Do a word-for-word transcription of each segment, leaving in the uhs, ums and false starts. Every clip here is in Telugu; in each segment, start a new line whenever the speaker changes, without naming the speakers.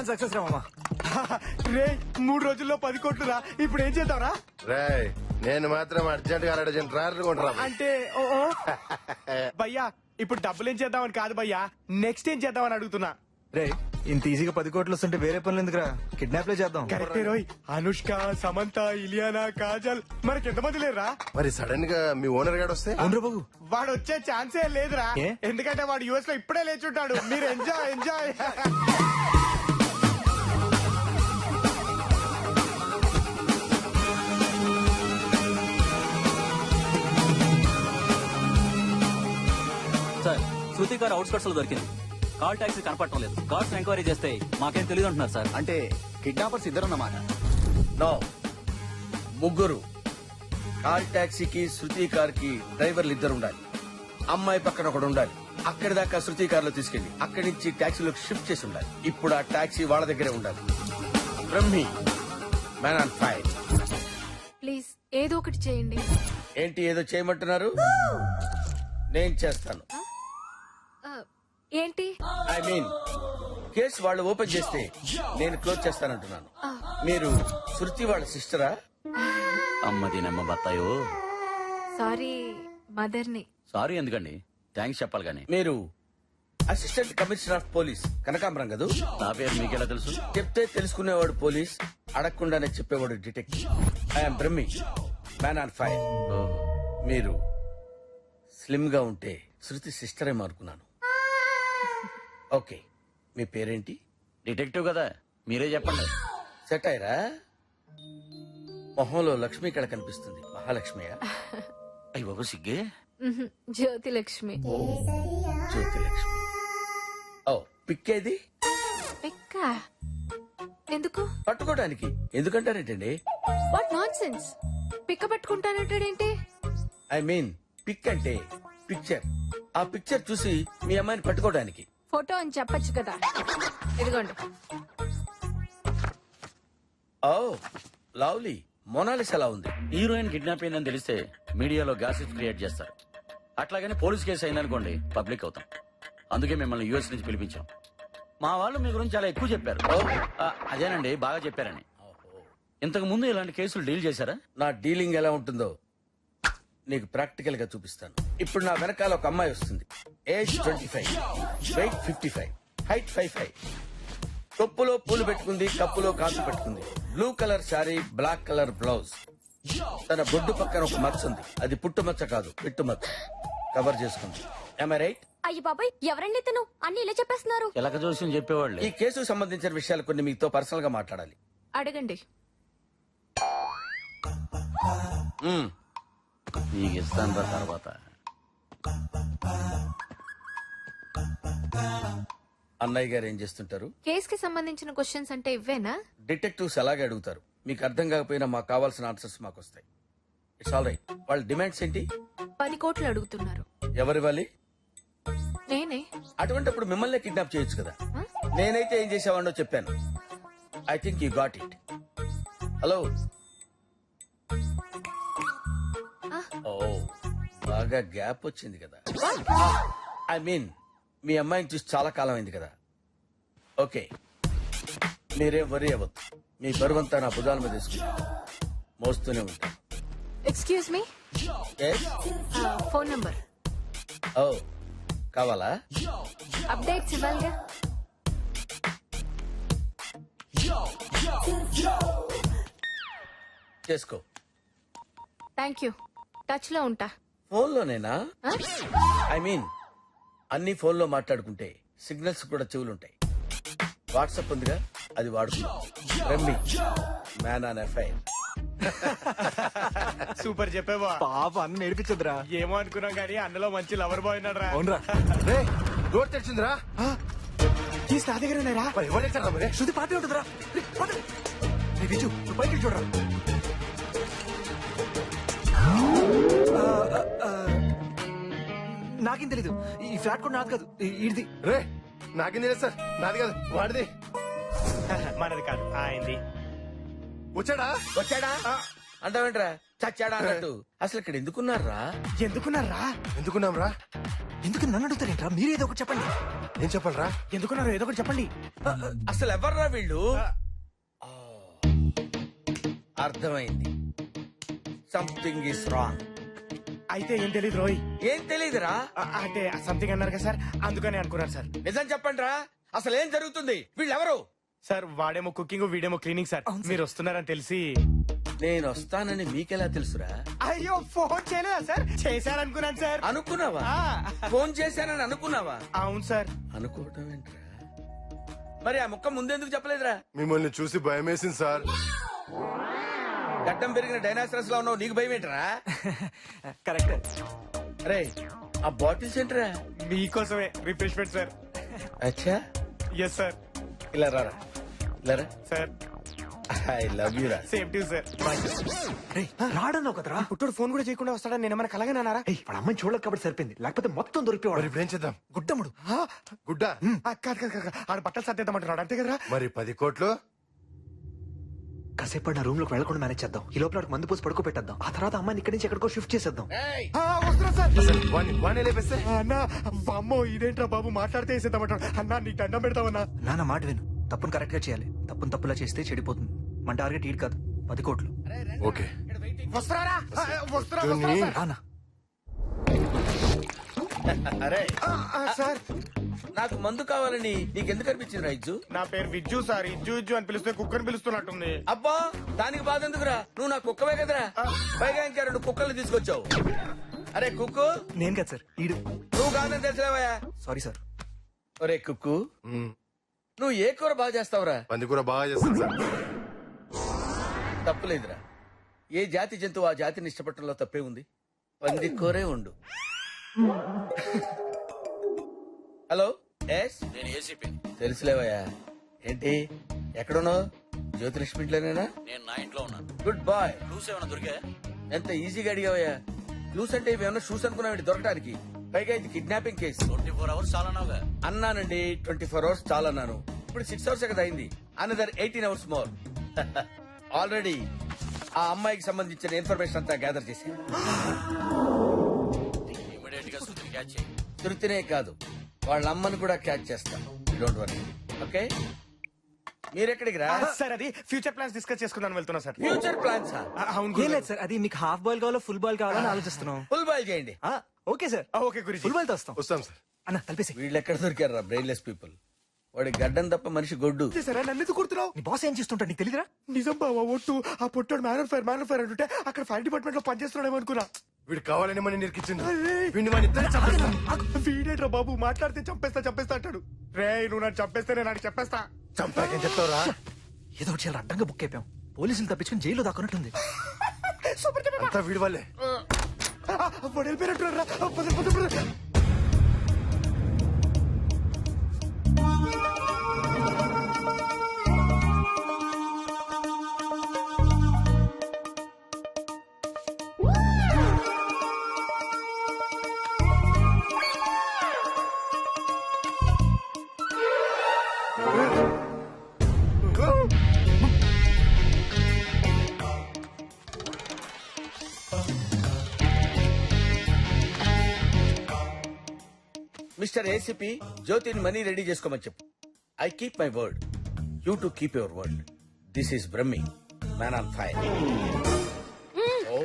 మిషన్ సక్సెస్ రా మామా.
రే మూడు రోజుల్లో పది కోట్లు రా. ఇప్పుడు ఏం చేద్దాంరా?
రేయ్ నేను మాత్రం అర్జెంట్ గా అర్జెంట్ ట్రాక్టర్ కొంటరా.
అంటే ఓ ఓ. భయ్యా ఇప్పుడు డబ్బులు ఏం చేద్దామని కాదు భయ్యా, నెక్స్ట్ ఏం చేద్దామని అడుగుతున్నా.
రే ఇంత ఈజీగా పది కోట్లు వస్తుంటే వేరే పనులు ఎందుకురా, కిడ్నాప్ లే చేద్దాం.
కరెక్టే రోయ్. అనుష్క, సమంత, ఇలియానా, కాజల్ మనకి ఎంతమంది లేరా?
మరి సడన్ గా మీ ఓనర్ గాడు వస్తే
అవును బాబు.
వాడు వచ్చే ఛాన్సే లేదురా.
ఏ?
ఎందుకంటే వాడు యుఎస్ లో ఇప్పుడే లేచుంటాడు. మీరు ఎంజాయ్ ఎంజాయ్.
సార్ శృతి గారు అవుట్స్కట్స్ లో దొరికింది. కాల్ టాక్సీ కనపడటం లేదు. కార్స్ ఎంక్వైరీ చేస్తే మాకేం తెలియదు అంటున్నారు సార్.
అంటే కిడ్నాపర్స్ ఇద్దరన్నమాట.
నో, ముగ్గురు. కార్ టాక్సీకి శృతి కార్ కి డ్రైవర్లు ఇద్దరు ఉండాలి. అమ్మాయి పక్కన ఒకడు ఉండాలి. అక్కడి దాకా శృతి కార్ లో తీసుకెళ్లి అక్కడి నుంచి టాక్సీలోకి షిఫ్ట్ చేసి ఉండాలి. ఇప్పుడు ఆ టాక్సీ వాళ్ళ దగ్గరే ఉండాలి. Brahmi, man on fire.
Please ఏదో ఒకటి చేయండి.
ఏంటి ఏదో చేయమంటున్నారు? నేను చేస్తాను.
ఆ, ఏంటి?
ఐ మీన్ కేసు వాళ్ళు ఓపెన్ చేస్తే నేను క్లోజ్ చేస్తానంటున్నాను. మీరు శృతి వాళ్ళ సిస్టరా?
అమ్మది నమ్మ బత్తాయో.
సారీ మదర్ని.
సారీ ఎందుకండి, థ్యాంక్స్ చెప్పాలి కానీ.
మీరు అసిస్టెంట్ కమిషనర్ ఆఫ్ పోలీస్ కనకాంబరం కదా?
నా పేరు మీకెలా తెలుసు?
చెప్తే తెలుసుకునేవాడు పోలీస్, అడగకుండానే చెప్పేవాడు detective. I'm Brahmi, man on fire. మీరు స్లిమ్ గా ఉంటే శృతి సిస్టరే అనుకున్నాను. ఓకే, మీ పేరేంటి?
డిటెక్టివ్ కదా, మీరే చెప్పండి.
సెట్ అయ్యరా? మొహంలో లక్ష్మి కళ కనిపిస్తుంది. మహాలక్ష్మియా?
అయ్యి బాబు సిగ్గే.
మ్హూ, జ్యోతి లక్ష్మి.
జ్యోతి లక్ష్మి. ఓ పిక్కేది?
పిక్క ఎందుకు?
పట్టుకోవడానికి. ఎందుకంటారేంటండి?
What nonsense. పిక్క పట్టుకుంటానంటాడేంటి?
ఐ మీన్ పిక్ అంటే పిక్చర్. ఆ పిక్చర్ చూసి మీ అమ్మాయిని పట్టుకోవడానికి.
ఫోటో అని చెప్పొచ్చు కదా. ఇదిగోండి.
Oh lovely. మొనాలిస్ ఎలా ఉంది?
హీరోయిన్ కిడ్నాప్ అయిందని తెలిస్తే మీడియాలో గాసిప్ క్రియేట్ చేస్తారు. అట్లాగని పోలీస్ కేసు అయిందనుకోండి పబ్లిక్ అవుతాం. అందుకే మిమ్మల్ని యూఎస్ నుంచి పిలిపించాం. మా వాళ్ళు మీ గురించి చాలా ఎక్కువ చెప్పారు. ఆ, అదేనండి బాగా చెప్పారని. ఇంతకు ముందు ఇలాంటి కేసులు డీల్ చేశారా?
నా డీలింగ్ ఎలా ఉంటుందో నీకు ప్రాక్టికల్ గా చూపిస్తాను. ఇప్పుడు నా వెనకాల ఒక అమ్మాయి వస్తుంది. Age twenty five, weight fifty five, height five five. తొప్పులో పూలు పెట్టుకుంది, కప్పులో కాసు పెట్టుకుంది. Blue colour sari, black colour blouse. తన బొడ్డు పక్కన ఒక మచ్చ ఉంది. అది పుట్టు మచ్చ కాదు, పిట్టు మచ్చ. కవర్ చేసుకుంది. Am I right?
అయ్యి బాబాయ్, ఎవరండి తను? అన్ని ఇలా చెప్పేస్తున్నారు.
ఎలక జోస్యం చెప్పేవాళ్ళు.
ఈ కేసుకు సంబంధించిన విషయాలు కొన్ని మీతో పర్సనల్ గా మాట్లాడాలి.
అడగండి.
మ్మ్.
నీకు ఇస్తాను రా తర్వాత.
అన్నయ్య గారు ఏం చేస్తుంటారు?
కేస్ కి సంబంధించిన క్వశ్చన్స్ అంటే ఇవ్వేనా?
డిటెక్టివ్స్ అలాగే అడుగుతారు. మీకు అర్థం కాకపోయినా మాకు కావాల్సిన ఆన్సర్స్ మాకు వస్తాయి. It's all right. వాళ్ళ డిమాండ్స్ ఏంటి?
పది కోట్లు అడుగుతున్నారు.
ఎవరివ్వాలి?
నేనే.
అటువంటిప్పుడు మిమ్మల్ని కిడ్నాప్ చేయొచ్చు కదా.
Huh?
నేనైతే ఏం చేసేవాడినో చెప్పాను. I think you got it. Hello. ఓ బాగా గ్యాప్ వచ్చింది కదా. ఐ మీన్ మీ అమ్మాయిని చూసి చాలా కాలం అయింది కదా. ఓకే, మీరేం వరీ అవ్వద్దు. మీ బరువంతా నా భుజాల మీద తీసుకుంటా మోస్తూనే ఉంటాను.
Excuse me. Phone number.
ఓ కావాలా?
అప్డేట్స్ ఇవ్వాలిగా.
చేసుకో.
Thank you. టచ్ లో ఉంటా.
ఫోన్లోనేనా?
Huh?
ఐ మీన్ అన్ని ఫోన్లో మాట్లాడుకుంటే సిగ్నల్స్ కూడా చెవులుంటాయి. వాట్సాప్ ఉందిగా, అది వాడుకుందాం. రమ్మి, మ్యాన్ ఆన్ ఎఫ్ఐఆర్.
సూపర్ చెప్పేవా.
పాప అన్న నేర్పించదురా.
ఏమో అనుకున్నాం కానీ అన్నలో మంచి లవర్ బాయ్ ఉన్నాడు రా.
అవునరా.
రే డోర్ తెరిచిందిరా.
తీసి నా దగ్గర ఉన్నారా?
మరి ఎవరు తెచ్చారా మరి?
శృతి పాటే ఉంటుందిరా. రే, పద. రే, బిజు, నువ్వు పైకి చూడరా. ఆ, ఆ, ఆ, నాకేం తెలీదు. ఈ ఫ్లాట్ కూడా నాది కాదు, ఇది.
రే నాకేం తెలియదు సార్. నాది కాదు, వాడిది.
మనది కాదు, ఆయనది.
వచ్చాడా?
వచ్చాడా అంటావేంట్రా? చచ్చాడా అన్నట్టు. అసలు ఇక్కడ ఎందుకున్నారా?
ఎందుకున్నారా?
ఎందుకున్నాం రా?
ఎందుకు నన్ను అడుగుతారేంట్రా? మీరేదో ఒకటి చెప్పండి.
ఏం చెప్పాలరా?
ఎందుకున్నారు ఏదో ఒకటి చెప్పండి.
అసలు ఎవర్రా వీళ్ళు? ఆ, అర్థమైంది. Something is wrong.
అయితే ఏం తెలియదు రోయ్.
ఏం తెలీదురా?
ఆ, అంటే సంథింగ్ అన్నారు కదా సార్, అందుకని అనుకున్నారు సార్.
నిజం చెప్పండి రా, అసలు ఏం జరుగుతుంది? వీళ్ళెవరు?
సార్ వాడేమో కుకింగ్ వీడేమో క్లీనింగ్ సార్. మీరు వస్తున్నారని తెలిసి.
నేను వస్తానని మీకెలా తెలుసురా?
అయ్యో ఫోన్ చేయలేదా సార్? చేశారనుకున్నాను సార్.
అనుకున్నావా?
ఆ,
ఫోన్ చేశానని అనుకున్నావా?
అవును సార్.
అనుకోవటం ఏంట్రా? మరి ఆ ముక్క ముందెందుకు చెప్పలేదురా?
మిమ్మల్ని చూసి భయం వేసింది సార్.
గడ్డం పెరిగిన డైనాసరస్ లో ఉన్నావు, నీకు భయం ఏంట్రా?
కరెక్ట్.
అరే ఆ బాటిల్స్ ఏంట్రా?
మీకోసమే రిఫ్రెష్మెంట్ సార్.
అచ్చా,
ఎస్ సార్.
ఇలా రారా, ఇలా రా.
సార్
ఐ లవ్ యూ రా.
Same to sir.
రాడన్నావు కదరా.
పుట్టుడు ఫోన్ కూడా చేయకుండా వస్తాడని నేను ఏమైనా కలగానే అన్నారా?
ఏయ్, వాడు అమ్మాయిని చూడలేదు కాబట్టి సరిపోయింది, లేకపోతే మొత్తం
మరి
దొరికిపోవాడు.
ఇప్పుడు ఏం చేద్దాం?
గుడ్డముడు.
గుడ్డ
ఆ, కాదు కాదు కాదు, ఆడ బట్టలు సర్దేద్దామంటున్నాడు అంతే కదరా?
మరి పది కోట్లు
కాసేపు నా రూమ్ లోకి వెళ్ళకుండా మేనేజ్ చేద్దాం. ఈ లోపల వాడికి మందు పోసి పడుకో పెట్టేద్దాం. ఆ తర్వాత అమ్మాయిని ఇక్కడి నుంచి ఎక్కడికో షిఫ్ట్ చేసేద్దాం.
ఏయ్,
ఆ, వస్తున్నా సార్.
అసలు వాణ్ణి వాణ్ణి లేపేస్తే
అన్న అమ్మో ఇదేంట్రా బాబు మాట్లాడితే వేసేద్దామంటాడు. అన్న నీకు దండం పెడతామన్నా.
నాన్న మాట విను, తప్పును కరెక్ట్ గా చేయాలి. తప్పును తప్పులా చేస్తే చెడిపోతుంది. మన టార్గెట్ ఈడు కాదు, పది కోట్లు.
ఓకే.
వస్తున్నారా? ఆ, వస్తున్నా
జూని.
వస్తున్నా సార్.
రానా?
అరే
ఆ, ఆ, సార్
నాకు మందు కావాలని నీకెందుకు అనిపించింది రా ఇజ్జు?
నా పేరు విజ్జు సార్. ఇజ్జు ఇజ్జు అని పిలిస్తే కుక్కని పిలుస్తున్నట్టుంది.
అబ్బా దానికి బాధ ఎందుకురా? నువ్వు నా కుక్కవే కదరా. పైగా ఇంకా రెండు కుక్కలు తీసుకొచ్చావు. అరే కుక్కు,
నేను కాదు సార్, ఈడు.
నువ్వు కాదని తెలిసిలేవయ్యా.
Sorry sir.
ఒరే కుక్కు,
మ్మ్.
నువ్వు ఏ కూర బాగా చేస్తావురా?
పందికూర బాగా చేస్తాను సార్.
తప్పులేదురా. ఏ జాతి జంతువు ఆ జాతిని ఇష్టపడటంలో తప్పే ఉంది. పంది కూరే ఉండు. హలో, ఎస్
నేను ఏసీపీ.
తెలుసులేవయ్యా. ఏంటి ఎక్కడున్నావు? జ్యోతిలక్ష్మి ఇంట్లోనేనా?
నేను నా ఇంట్లో ఉన్నాను.
Good bye.
క్లూస్ ఏమైనా దొరికా?
ఎంత ఈజీగా అడిగావయ్యా. క్లూస్ అంటే ఇవేమన్నా షూస్ అనుకున్నావు దొరకడానికి? పైగా ఇది kidnapping case.
Twenty four hours చాలా నావుగా.
అన్నానండి, ట్వంటీ ఫోర్ అవర్స్ చాలా అన్నాను. ఇప్పుడు సిక్స్ అవర్స్ కదా అయింది. Another eighteen hours more. Already ఆ అమ్మాయికి సంబంధించిన ఇన్ఫర్మేషన్ అంతా గ్యాదర్ చేసి
ఇమీడియట్ గా సుతిని క్యాచ్ చేయి.
తృప్తినే కాదు, వాళ్ళ అమ్మని కూడా క్యాచ్ చేస్తాం. Don't worry. ఓకే, మీరెక్కడికి రా?
ఆ, సార్ అది ఫ్యూచర్ ప్లాన్స్ డిస్కస్ చేసుకుందాం వెళ్తున్నా సార్.
Future plans.
ఆ, అవును
ఏం
గురుగారు.
లేదు సార్, అది మీకు హాఫ్ బాల్ కావాలో ఫుల్ బాల్ కావాలని ఆలోచిస్తున్నాం.
ఫుల్ బాయ్ చేయండి.
ఆ, ఓకే సార్,
ఆ, ఓకే గురించి.
ఫుల్ బాల్ తో వస్తాం.
వస్తాం సార్.
అన్న కలిపేసి.
వీళ్ళు ఎక్కడ దొరికారా బ్రెయిన్లెస్ పీపుల్? వాడి గడ్డం తప్ప మనిషి గొడ్డు.
సరే నన్ను ఎందుకు కుడుతున్నావు?
నీ బాస్ ఏం చేస్తుంటాడు నీకు తెలియదురా?
నిజం బావా ఒట్టు. ఆ పొట్టాడు మ్యాన్ ఫైర్ మ్యాన్ ఫైర్ అంటుంటే అక్కడ ఫైర్ డిపార్ట్మెంట్ లో పనిచేస్తున్నాడేమో అనుకున్నా.
వీడు కావాలని మనం నిరికించింది.
అరే.
వీడిని మన ఇద్దరు చంపేస్తాం.
వీడేట్రా బాబు మాట్లాడితే చంపేస్తా చంపేస్తా అంటాడు. రే నువ్వు నన్ను చంపేస్తే నేను నాకు చెప్పేస్తా.
చంపాకేం చెప్తావురా?
ఏదో ఒకటి చాలా అడ్డంగా బుక్ అయిపోయాం. పోలీసులు తప్పించుకుని జైల్లో దాక్కున్నట్టుంది.
సూపర్ చెప్పేస్తా.
అంతా వీడి వల్లే.
వాడు వెళ్ళిపోయినట్టున్నాడు రా. పద, పద, పద.
మిస్టర్ ఏసీపీ, జ్యోతిని మనీ రెడీ చేసుకోమని చెప్పు. I keep my word, you to keep your word. This is Brahmi, man on fire. Oh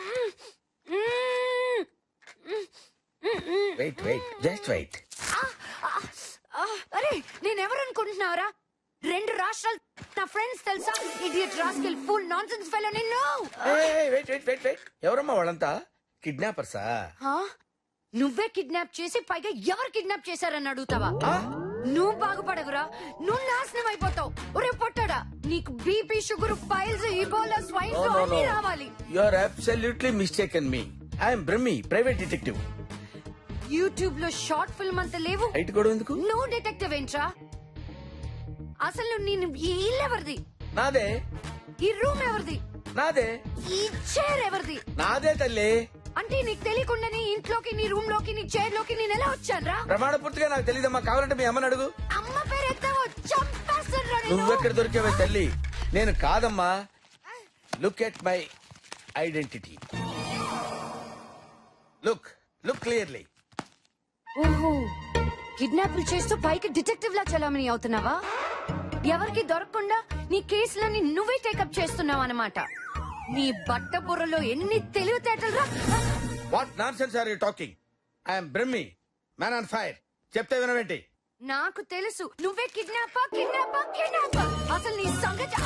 wait wait just wait.
ఆ, అరే నేనెవరు అనుకుంటున్నావురా? రెండు రాష్ట్రాలు నా ఫ్రెండ్స్ తెలుసా? Idiot rascal full nonsense fellow నిన్ను.
వెయిట్ వెయిట్ వెయిట్ వెయిట్ ఎవరమ్మా వాళ్ళంతా? కిడ్నాపర్సా?
ఆ? నువ్వే కిడ్నాప్ చేసి పైగా ఎవరు కిడ్నాప్ చేశారని అడుగుతావా? నువ్వు బాగుపడవురా, నువ్వు నాశనం అయిపోతావు. ఒరే పొట్టాడా, నీకు BP sugar piles Ebola swine flu అన్ని రావాలి.
You are absolutely mistaken me. I'm Brahmi, private detective.
YouTube లో షార్ట్ ఫిల్మ్ అంత లేవు.
హైట్ కూడా ఎందుకు?
నువ్వు డిటెక్టివ్ ఏంట్రా? అసలు నేను ఈ ఇల్లు ఎవరిది?
నాదే.
ఈ రూమ్ ఎవరిది?
నాదే.
ఈ చైర్ ఎవరిది?
నాదే తల్లి.
అంటే నీకు తెలియకుండానే ఇంట్లోకి నీ రూమ్ లోకి నీ చైర్ లోకి నేను ఎలా వచ్చాను రా?
ప్రమాణ పూర్తిగా నాకు తెలియదమ్మా. కావాలంటే మీ అమ్మని అడుగు.
అమ్మ పేరు ఎత్తావో చంపేస్తాను.
నువ్వెక్కడ దొరికావే తల్లి? నేను కాదమ్మా. Look at my identity. Look look clearly.
ఓహో కిడ్నాపులు చేస్తూ పైకి డిటెక్టివ్ లా చలామణి అవుతున్నావా? ఎవరికి దొరకకుండా నీ కేసులన్నీ నువ్వే టేకప్ చేస్తున్నావు అన్నమాట. నీ బట్ట బుర్రలో ఎన్ని తెలివితేటలు రా.
What nonsense are you talking? I'm Brahmi, man on fire. చెప్తే వినవేంటి?
నాకు తెలుసు నువ్వే కిడ్నాపా కిడ్నాపా కిడ్నాపా. అసలు నీ సంగతి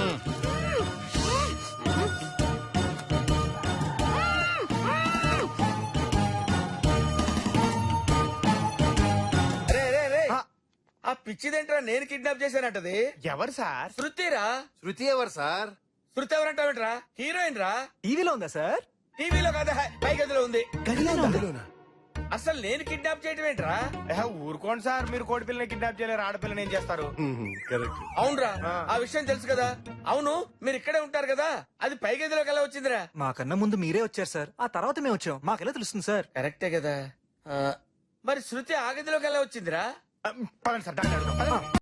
రే రే రే, ఆ పిచ్చిదేంట్రా నేను కిడ్నాప్ చేశానంటది?
ఎవరు సార్?
శృతిరా.
శృతి ఎవరు సార్?
శృతి ఎవరంటావేంట్రా? హీరోయిన్ రా.
టీవీలో ఉందా సార్?
టీవీలో కాదా, పై గదిలో ఉంది.
గదిలోనా?
అసలు నేను కిడ్నాప్ చేయటం ఏంట్రా?
ఏహే, ఊరుకోండి సార్, మీరు కోడి పిల్లని కిడ్నాప్ చేయలేరు, ఆడపిల్లని ఏం చేస్తారు?
కరెక్ట్.
అవునరా,
ఆ.
ఆ విషయం తెలుసు కదా. అవును, మీరు ఇక్కడే ఉంటారు కదా, అది పై గదిలోకి ఎలా వచ్చిందిరా?
మాకన్నా ముందు మీరే వచ్చారు సార్, ఆ తర్వాత మేము వచ్చాం. మాకెలా తెలుస్తుంది సార్?
కరెక్టే కదా. ఆ, మరి శృతి ఆ గదిలోకి ఎలా వచ్చిందిరా?
పదండి సార్, డాక్టర్ అడుగుదాం. పదండి.